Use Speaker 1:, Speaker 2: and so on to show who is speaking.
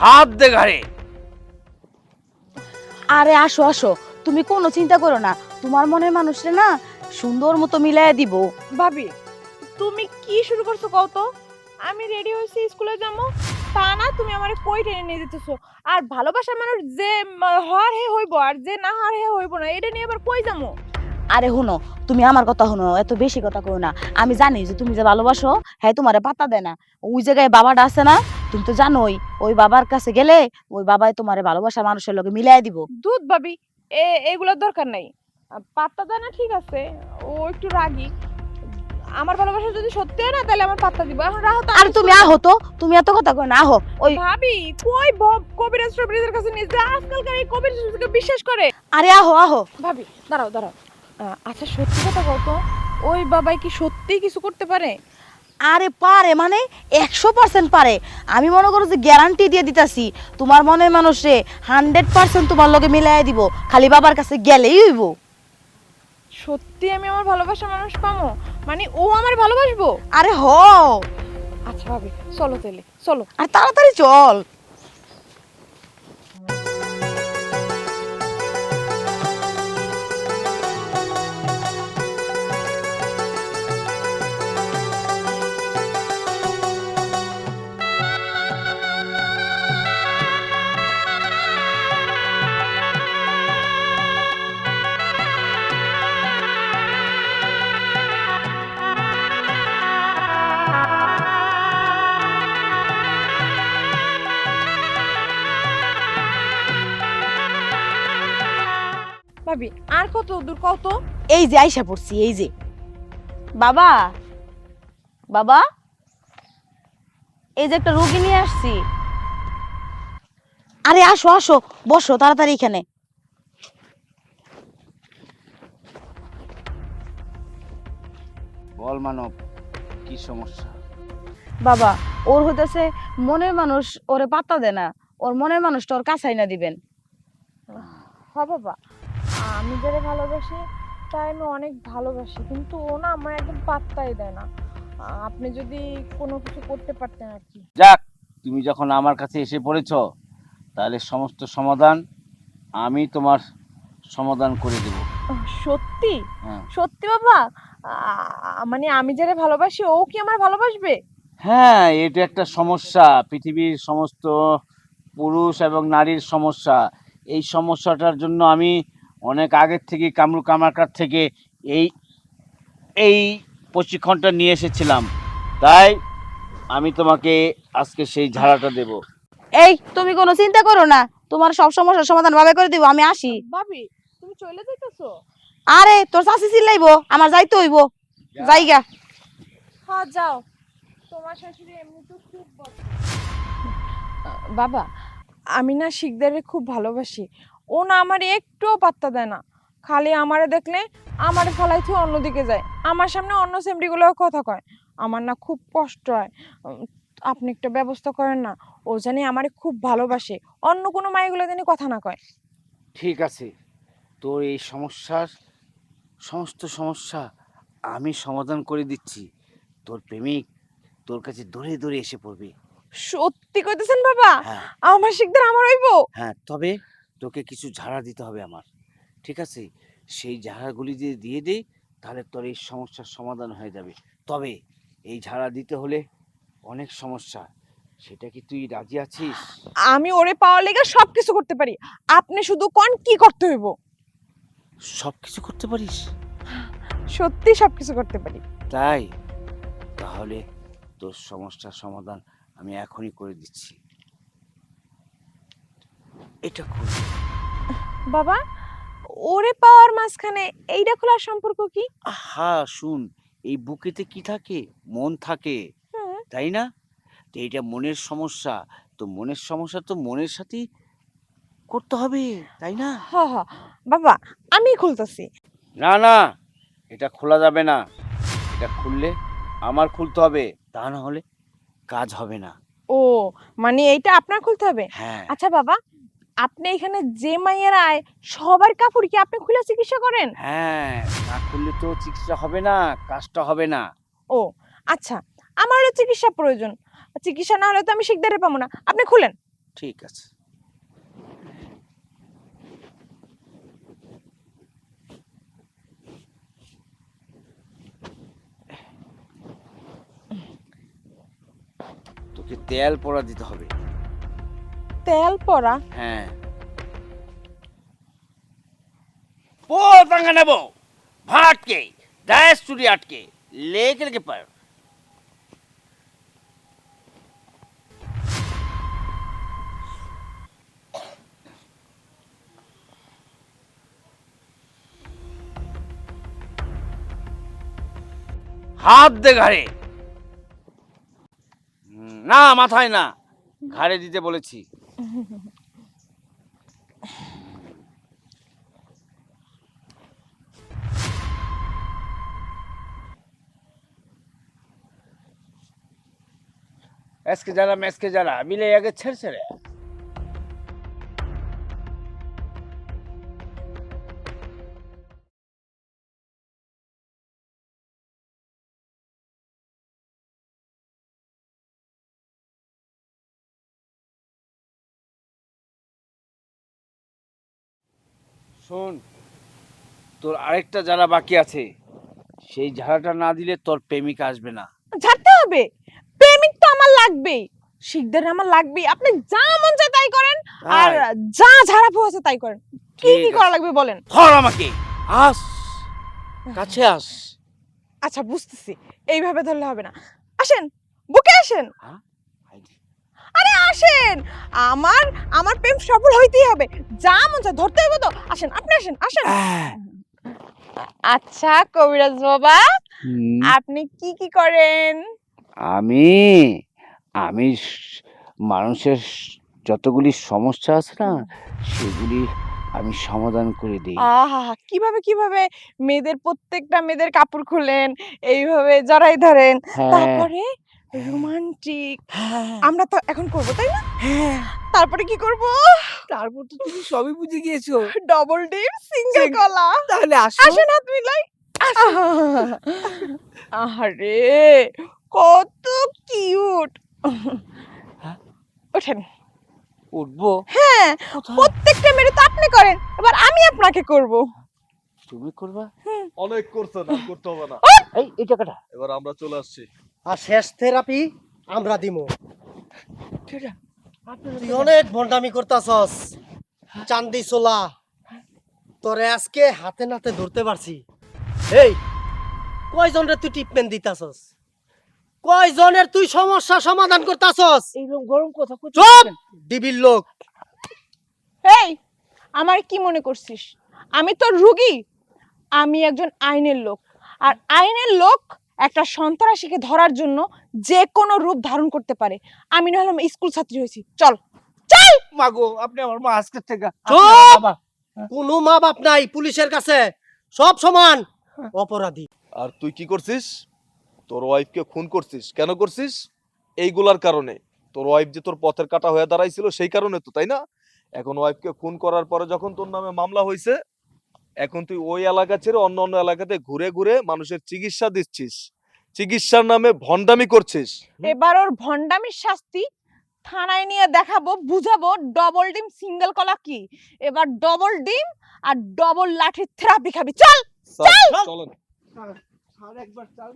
Speaker 1: হাত দে ঘাড়ে।
Speaker 2: আরে আসো আসো, তুমি কোনো চিন্তা করো না, তোমার মনের মানুষরে না সুন্দর মতো মিলাইয়া দিব।
Speaker 3: ভাবি তুমি কি শুরু করছো কও তো? আমি রেডি হইছি স্কুলে যাবো, তা না তুমি আমারে কই টেনে নিয়ে যেতেছো? আর ভালোবাসার মানুষ যে হওয়ার হে হইব আর যে না হওয়ার হে হইব না, এটা নিয়ে আবার কই যাবো?
Speaker 2: আরে হুনো, তুমি আমার কথা শুনো, এত বেশি কথা কো না। আমি জানি যে তুমি যে ভালোবাসো, হ্যাঁ তোমারে পাত্তা দেয় না। ওই জায়গায় বাবাটা আছে না, তুমি তো জানোই, ওই বাবার কাছে গেলে ওই বাবাই তোমারে ভালোবাসার মানুষের লগে মিলাই দিব।
Speaker 3: দুধ ভাবি, এগুলোর দরকার নাই। পাত্তা দেয় না ঠিক আছে, ও একটু রাগী। আমার ভালোবাসা যদি সত্যি হয় না তাহলে আমার পাত্তা দিব। এখন রাহো তো।
Speaker 2: আর তুমি আহো তো, তুমি এত কথা কো না, আহো। ওই
Speaker 3: ভাবি কই কবিরাজ টবিরাজের কাছে নিয়ে যা, আজকালকার এই কবিরাজকে বিশ্বাস করে।
Speaker 2: আরে আহো আহো।
Speaker 3: ভাবি দাঁড়াও দাঁড়াও, আচ্ছা সত্যি কথা বল তো, ওই বাবাই কি সত্যি কিছু করতে পারে?
Speaker 2: আরে পারে মানে 100% পারে। আমি মনে করো যে গ্যারান্টি দিয়ে দিতাছি, তোমার মনের মানুষে 100% তোমার লগে মিলাই দিব, খালি বাবার কাছে গেলেই হইব।
Speaker 3: সত্যি আমি আমার ভালোবাসা মানুষ পামো? মানে ও আমার ভালোবাসবো?
Speaker 2: আরে হ,
Speaker 3: আচ্ছা ভাবি চলো তাহলে চলো।
Speaker 2: আর তাড়াতাড়ি চল।
Speaker 3: ভাবি আর কত দূর কত?
Speaker 2: এই যে আইসা পড়ছি, এই যে। বাবা, বাবা, এই যে একটা রোগী নিয়ে আসছি। আরে আসো আসো, বসো তাড়াতাড়ি এখানে।
Speaker 1: বল মানব, কি সমস্যা?
Speaker 2: বাবা, ওর হইতেছে মনের মানুষ ওরে পাত্তা দেয় না, ওর মনের মানুষটা ওর কাছাই না দিবেন।
Speaker 3: হ্যাঁ বাবা, আমি যারা ভালোবাসি তাই আমি অনেক ভালোবাসি, কিন্তু ও না আমার একদম পাত্তাই দেয় না। আপনি যদি কোনো কিছু করতে পারতেন আর কি।
Speaker 1: যাক, তুমি যখন আমার কাছে এসে পড়েছো, তাহলে সমস্ত সমাধান আমি তোমার সমাধান করে দেব।
Speaker 3: সত্যি?
Speaker 1: হ্যাঁ
Speaker 3: সত্যি বাবা? মানে আমি যারা ভালোবাসি ও কি আমার ভালোবাসবে?
Speaker 1: হ্যাঁ, এটা একটা সমস্যা, পৃথিবীর সমস্ত পুরুষ এবং নারীর সমস্যা। এই সমস্যাটার জন্য আমি অনেক আগের থেকে কামরু কামারকার থেকে এই এই প্রশিক্ষণটা নিয়ে এসেছিলাম। তাই আমি তোমাকে আজকে সেই ঝাড়াটা দেব।
Speaker 2: এই তুমি কোনো চিন্তা করো না, তোমার সব সমস্যার সমাধান ভাবে করে দিব, আমি আসি।
Speaker 3: ভাবি তুমি চলে যাইতেছো?
Speaker 2: আরে তোর চাচি চিল্লাইবো, আমার যাইতে হইব, জায়গা।
Speaker 3: হ্যাঁ যাও, তোমার শাশুড়ি এমনি তো খুব বদ। বাবা, আমি না শিকদারে খুব ভালোবাসি। ও না আমার একটুও পাত্তা দেয় না, খালি আমারে দেখলে আমারে ফলাইতে অন্যদিকে যায়, আমার সামনে অন্য সেমরিগুলো কথা কয়। আমার না খুব কষ্ট হয়। আপনি একটা ব্যবস্থা করেন না, ও জানি আমারে খুব ভালোবাসে, অন্য কোনো মাইগুলো জানি কথা না কয়।
Speaker 1: ঠিক আছে, তোর এই সমস্যার সমস্ত সমস্যা আমি সমাধান করে দিচ্ছি। তোর প্রেমিক তোর কাছে দৌড়ে দৌড়ে এসে পড়বে।
Speaker 3: সত্যি কইতেছেন বাবা?
Speaker 1: হ্যাঁ
Speaker 3: আমার শিকদার আমার হইব?
Speaker 1: হ্যাঁ, তবে তোকে কিছু ঝাড়া দিতে হবে আমার, ঠিক আছে? সেই ঝাড়াগুলি যদি দিয়ে দেই, তাহলে তোর এই সমস্যার সমাধান হয়ে যাবে। তবে এই ঝাড়া দিতে হলে অনেক সমস্যা, সেটা কি তুই রাজি আছিস?
Speaker 3: আমি ওরে পাওয়ার লেগে সবকিছু করতে পারি, আপনি শুধু কোন কি করতে হইব।
Speaker 1: সব কিছু করতে পারিস?
Speaker 3: সত্যি সবকিছু করতে পারি।
Speaker 1: তাই তাহলে তোর সমস্যার সমাধান আমি এখনই করে দিচ্ছি। এটা খুব
Speaker 3: বাবা, ওরে পাওয়ার মাঝখানে এইটা খোলার সম্পর্ক কি?
Speaker 1: আহা, শুন, এই বুকেতে কি থাকে? মন থাকে,
Speaker 3: হুম।
Speaker 1: তাই না? তো এইটা মনের সমস্যা, তো মনের সমস্যা তো মনের সাথেই করতে হবে, তাই না?
Speaker 3: হ হ বাবা, আমি খুলতেছি।
Speaker 1: না না, এটা খোলা যাবে না। এটা খুললে আমার খুলতে হবে, তা না হলে কাজ হবে না।
Speaker 3: ও, মানে এইটা আপনার খুলতে হবে?
Speaker 1: হ্যাঁ
Speaker 3: আচ্ছা বাবা, আপনি এখানে যে মাইয়েরা আয় সবার কাপড় কি আপনি খুলে চিকিৎসা করেন?
Speaker 1: হ্যাঁ, না খুললে তো চিকিৎসা হবে না, কাজটা হবে না।
Speaker 3: ও আচ্ছা, আমারও চিকিৎসা প্রয়োজন, চিকিৎসা না হলে তো আমি শিকদারে পাবো না, আপনি খুলেন।
Speaker 1: ঠিক আছে। তোকে তেল পড়া দিতে হবে।
Speaker 3: তেল পড়া?
Speaker 1: হ্যাঁ, पोंगा नेबो भाट के दास चुरी अटके लेकर के पर हाथ दे घाड़े ना माथाয় না ঘাড়ে দিতে বলেছি। एसके जरा मैसके जरा मिले आगे छर छरे শোন, তোর আরেকটা যারা বাকি আছে সেই ঝাড়াটা না দিলে তোর প্রেমিক আসবে না।
Speaker 3: ঝাড়তে হবে? প্রেমিক তো আমার লাগবেই, শিকদার আমার লাগবেই। আপনি যা মন চায় তাই করেন, আর যা ঝাড়া ফুঁ আছে তাই করেন। কি কি করা লাগবে বলেন?
Speaker 1: ধর আমাকে, আস কাছে আস।
Speaker 3: আচ্ছা বুঝতেছি, এইভাবে ধরলে হবে না। আসেন, বুকে আসেন। আরে আসেন, আমার আমার প্রেম সফল হইতেই হবে। যা মন চায় ধরতে হবে তো। আসেন, আপনি আসেন, আসেন। আচ্ছা কবিরাজ বাবা, আপনি কি কি করেন?
Speaker 1: আমি আমি মানুষের যতগুলি সমস্যা আছে না সেগুলি আমি সমাধান করে দিই।
Speaker 3: আহা, কিভাবে কিভাবে মেয়েদের প্রত্যেকটা মেয়েদের কাপড় খুলেন, এইভাবে জড়াই ধরেন, তারপরে রোমান্টিক আমরা তো এখন করব, তাই না? তারপরে কি করব?
Speaker 4: তারপর তো তুমি সবই বুঝে গিয়েছো।
Speaker 3: ডবল ডিপ সিঙ্গেল কলা।
Speaker 4: তাহলে আসো।
Speaker 3: আসেন হাত মিলাই। আরে কত কিউট। ওঠেন।
Speaker 1: উঠবো?
Speaker 3: হ্যাঁ, প্রত্যেকটা মেয়ে তো আপনি করেন, এবার আমি আপনাকে করব।
Speaker 1: তুমি করবা?
Speaker 5: অনেক করছেন, আর করতে হবে না।
Speaker 1: এই টাকাটা
Speaker 5: এবার আমরা চলে আসছি।
Speaker 4: আর শেষ থেরাপি আমরা দিমু। তুই অনেক ভন্ডামি করতাছস চান্দি সোলা, তোরে আজকে হাতে নাতে ধরতে পারছি। এই কয়জন রে তুই ট্রিটমেন্ট দিতাছস? কয়জনের তুই সমস্যা সমাধান করতাছস?
Speaker 1: এইরকম গরম কথা
Speaker 4: চুপ ডিবির লোক।
Speaker 3: এই, আমার কি মনে করছিস আমি তো রুগী? আমি একজন আইনের লোক, আর আইনের লোক একটা সন্ত্রাসীকে ধরার জন্য যে কোনো রূপ ধারণ করতে পারে। আমি না হলাম স্কুল ছাত্রী হয়েছি। চল চল।
Speaker 1: মাগো, আপনি আমার মা আজকে থেকে
Speaker 4: চুপ! কোনো মা বাপ নাই পুলিশের কাছে, সব সমান অপরাধী।
Speaker 5: আর তুই কি করছিস? তোর ওয়াইফকে খুন করছিস। কেন করছিস? এইগুলার কারণে। তোর ওয়াইফ যে তোর পথের কাটা হয়ে দাঁড়াইছিল সেই কারণে তো, তাই না? এখন ওয়াইফকে খুন করার পরে যখন তোর নামে মামলা হয়েছে, এখন তুই ওই এলাকা ছেড়ে অন্য অন্য এলাকাতে ঘুরে ঘুরে মানুষের চিকিৎসা দিচ্ছিস, চিকিৎসার নামে ভন্ডামি করছিস।
Speaker 3: এবার ওর ভন্ডামির শাস্তি থানায় নিয়ে দেখাবো, বুঝাবো ডবল ডিম সিঙ্গেল কলা কি। এবার ডবল ডিম আর ডবল লাঠির থেরাপি খাবি। চল
Speaker 5: চল, চলেন।
Speaker 1: একবার